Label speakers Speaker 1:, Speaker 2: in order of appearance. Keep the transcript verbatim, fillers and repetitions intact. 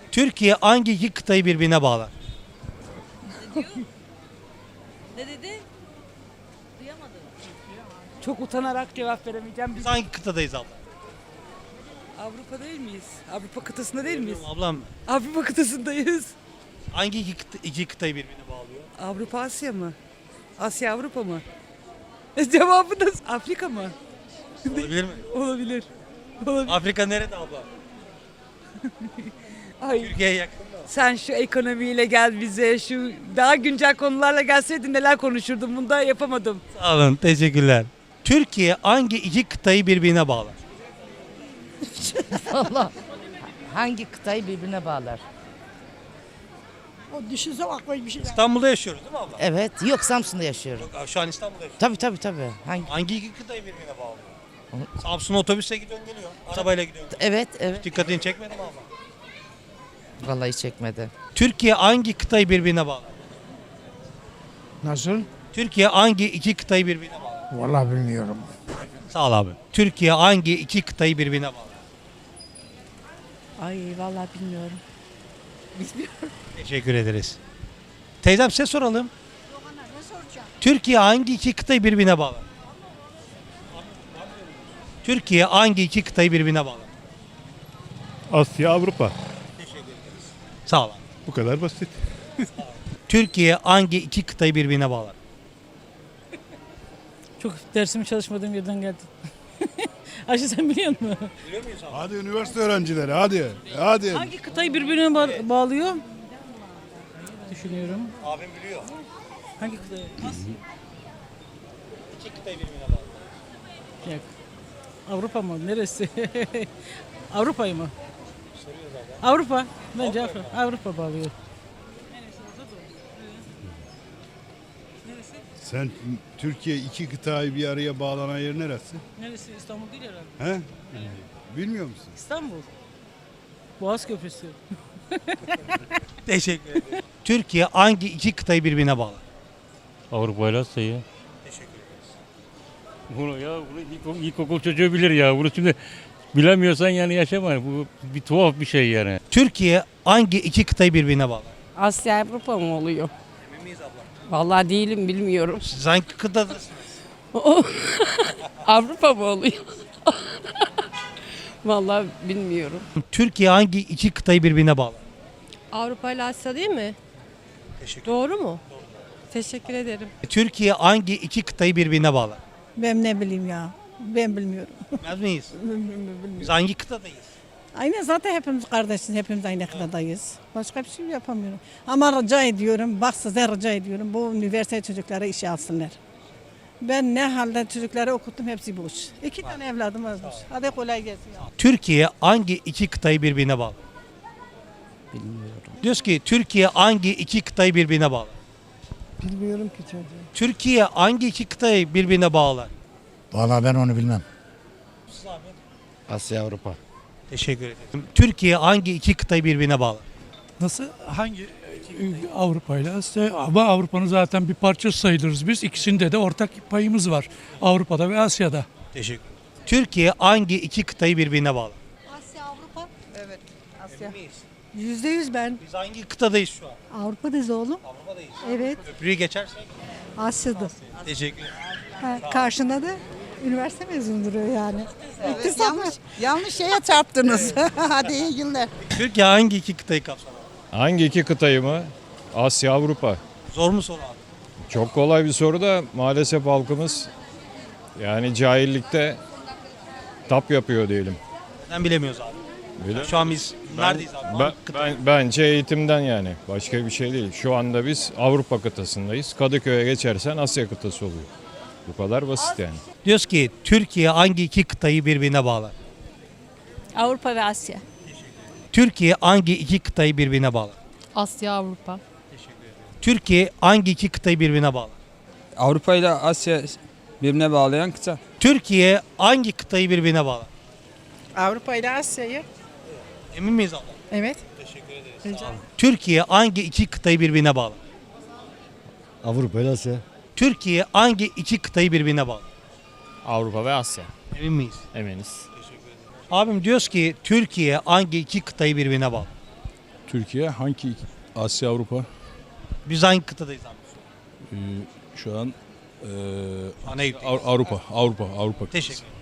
Speaker 1: Türkiye hangi iki kıtayı birbirine bağlar?
Speaker 2: Ne dedi? Duyamadım.
Speaker 3: Çok utanarak cevap veremeyeceğim.
Speaker 1: Biz
Speaker 3: Biz
Speaker 1: hangi kıtadayız abla?
Speaker 3: Avrupa değil miyiz? Avrupa kıtasında değil miyiz?
Speaker 1: Ablam
Speaker 3: Avrupa kıtasındayız.
Speaker 1: hangi iki, kıta, iki kıtayı birbirine bağlıyor?
Speaker 3: Avrupa Asya mı? Asya Avrupa mı? Cevabı da Afrika mı?
Speaker 1: Olabilir mi?
Speaker 3: Olabilir. Olabilir.
Speaker 1: Afrika nerede abla?
Speaker 3: Ay,
Speaker 1: Türkiye'ye yakın mı?
Speaker 3: sen şu ekonomiyle gel bize, şu daha güncel konularla gelseydin neler konuşurdum. Bunu da yapamadım.
Speaker 1: Sağ olun, teşekkürler. Türkiye hangi iki kıtayı birbirine bağlar?
Speaker 4: Allah hangi kıtayı birbirine bağlar?
Speaker 5: O düşünse aklıma bir şey.
Speaker 1: İstanbul'da yaşıyoruz değil mi abla?
Speaker 4: Evet, yok Samsun'da yaşıyorum.
Speaker 1: Yok, şu an İstanbul'da yaşıyoruz.
Speaker 4: Tabii tabii tabii. Hangi?
Speaker 1: Hangi iki kıtayı birbirine bağlıyor? Samsun otobüse gidiyorsun geliyor. Arabayla gidiyorsun.
Speaker 4: Evet, evet.
Speaker 1: Dikkatini çekmedi mi abla?
Speaker 4: Vallahi çekmedi.
Speaker 1: Türkiye hangi kıtayı birbirine bağlar?
Speaker 5: Nasıl?
Speaker 1: Türkiye hangi iki kıtayı birbirine bağlar?
Speaker 5: Vallahi bilmiyorum.
Speaker 1: Sağ ol abi. Türkiye hangi iki kıtayı birbirine bağlar?
Speaker 6: Ay vallahi bilmiyorum.
Speaker 1: Teşekkür ederiz. Teyzem size soralım. Türkiye hangi iki kıtayı birbirine bağlar? Türkiye hangi iki kıtayı birbirine bağlar?
Speaker 7: Asya, Avrupa.
Speaker 1: Sağ ol abi.
Speaker 7: Bu kadar basit.
Speaker 1: Türkiye hangi iki kıtayı birbirine bağlar?
Speaker 8: Çok dersimi çalışmadığım yerden geldim. Ayşe sen biliyor musun?
Speaker 7: Hadi üniversite öğrencileri hadi. Hadi.
Speaker 8: Hangi kıtayı birbirine ba- bağlıyor? Düşünüyorum.
Speaker 1: Abim biliyor.
Speaker 8: Hangi kıtayı?
Speaker 1: İki kıtayı birbirine bağlar.
Speaker 8: Yok. Avrupa mı? Neresi? Avrupa'yı mı? Avrupa. Bence Avrupa. Avrupa bağlıyor.
Speaker 7: Sen Türkiye iki kıtayı bir araya bağlanan yer neresi?
Speaker 8: Neresi? İstanbul değil herhalde.
Speaker 7: He? Bilmiyor musun?
Speaker 8: İstanbul. Boğaz Köprüsü.
Speaker 1: Teşekkür ederim. Türkiye hangi iki kıtayı birbirine bağlar?
Speaker 9: Avrupa ile Asya'yı. Teşekkür ederiz. Bunu ya bunu ilkokul, ilkokul çocuğu bilir ya. Bunu şimdi bilemiyorsan yani yaşama. Bu bir tuhaf bir şey yani.
Speaker 1: Türkiye hangi iki kıtayı birbirine bağlar?
Speaker 6: Asya Avrupa mı oluyor?
Speaker 1: Emin miyiz abla?
Speaker 6: Vallahi değilim bilmiyorum.
Speaker 1: Siz hangi kıtadasınız?
Speaker 6: Avrupa mı oluyor? Vallahi bilmiyorum.
Speaker 1: Türkiye hangi iki kıtayı birbirine bağlar?
Speaker 10: Avrupa ile Asya değil mi?
Speaker 1: Teşekkür
Speaker 10: Doğru mu? Teşekkür ederim.
Speaker 1: Türkiye hangi iki kıtayı birbirine bağlar?
Speaker 5: Ben ne bileyim ya. Ben bilmiyorum.
Speaker 1: Bilmez miyiz? Biz hangi kıtadayız?
Speaker 5: Aynen zaten hepimiz kardeşiz. Hepimiz aynı kıtadayız. Başka bir şey yapamıyorum. Ama rica ediyorum. Bak size rica ediyorum. Bu üniversite çocuklara işe alsınlar. Ben ne halde çocukları okuttum hepsi boş. İki tane evladım var boş. Hadi kolay gelsin. Ya.
Speaker 1: Türkiye hangi iki kıtayı birbirine bağlar?
Speaker 4: Bilmiyorum.
Speaker 1: Diyoruz ki Türkiye hangi iki kıtayı birbirine bağlar?
Speaker 5: Bilmiyorum ki çocuğum.
Speaker 1: Türkiye hangi iki kıtayı birbirine bağlar?
Speaker 11: Vallahi ben onu bilmem.
Speaker 4: Asya Avrupa.
Speaker 1: Teşekkür ederim. Türkiye hangi iki kıtayı birbirine bağlar?
Speaker 12: Nasıl? Hangi? Avrupa ile Asya ama Avrupa'nın zaten bir parçası sayılırız biz. İkisinde de ortak payımız var. Avrupa'da ve Asya'da.
Speaker 1: Teşekkür ederim. Türkiye hangi iki kıtayı birbirine bağlar?
Speaker 10: Asya Avrupa.
Speaker 3: Evet. Asya.
Speaker 5: Yüzde yüz ben.
Speaker 1: Biz hangi kıtadayız şu an?
Speaker 5: Avrupa'dayız oğlum.
Speaker 1: Avrupa'dayız.
Speaker 5: Evet.
Speaker 1: Köprüyü geçersek.
Speaker 5: Asya'da.
Speaker 1: Teşekkür ederim.
Speaker 5: Ha, karşında da üniversite mezunu duruyor yani.
Speaker 3: Evet, yanlış, yanlış şeye çarptınız. Hadi iyi günler.
Speaker 1: Türkiye hangi iki kıtayı kapsar?
Speaker 7: Hangi iki kıtayı mı? Asya, Avrupa.
Speaker 1: Zor mu soru abi?
Speaker 7: Çok kolay bir soru da maalesef halkımız yani cahillikte tap yapıyor diyelim.
Speaker 1: Neden bilemiyoruz abi?
Speaker 7: Öyle
Speaker 1: Şu an biz neredeyiz abi?
Speaker 7: Ben,
Speaker 1: Hangi kıta?
Speaker 7: ben, bence eğitimden yani. Başka bir şey değil. Şu anda biz Avrupa kıtasındayız. Kadıköy'e geçersen Asya kıtası oluyor. Bu kadar basit yani.
Speaker 1: Diyoruz ki Türkiye hangi iki kıtayı birbirine bağlar?
Speaker 10: Avrupa ve Asya.
Speaker 1: Türkiye hangi iki kıtayı birbirine bağlar?
Speaker 10: Asya Avrupa.
Speaker 1: Türkiye hangi iki kıtayı birbirine bağlar?
Speaker 13: Avrupa ile Asya birbirine bağlayan kıta.
Speaker 1: Türkiye hangi kıtayı birbirine bağlar?
Speaker 3: Avrupa ile Asya'yı.
Speaker 1: Emin miyiz abla?
Speaker 3: Evet.
Speaker 1: Teşekkür ederiz. Türkiye hangi iki kıtayı birbirine bağlar?
Speaker 11: Avrupa ile Asya.
Speaker 1: Türkiye hangi iki kıtayı birbirine bağlar?
Speaker 9: Avrupa ve Asya.
Speaker 1: Emin miyiz?
Speaker 9: Eminiz.
Speaker 1: Abim diyoruz ki Türkiye hangi iki kıtayı birbirine bağlar?
Speaker 14: Türkiye hangi iki- Asya Avrupa?
Speaker 1: Biz hangi kıtadayız abi?
Speaker 14: Ee, şu an ee,
Speaker 1: Ana ülke.
Speaker 14: Av- Avrupa Avrupa Avrupa.
Speaker 1: Teşekkür ederim.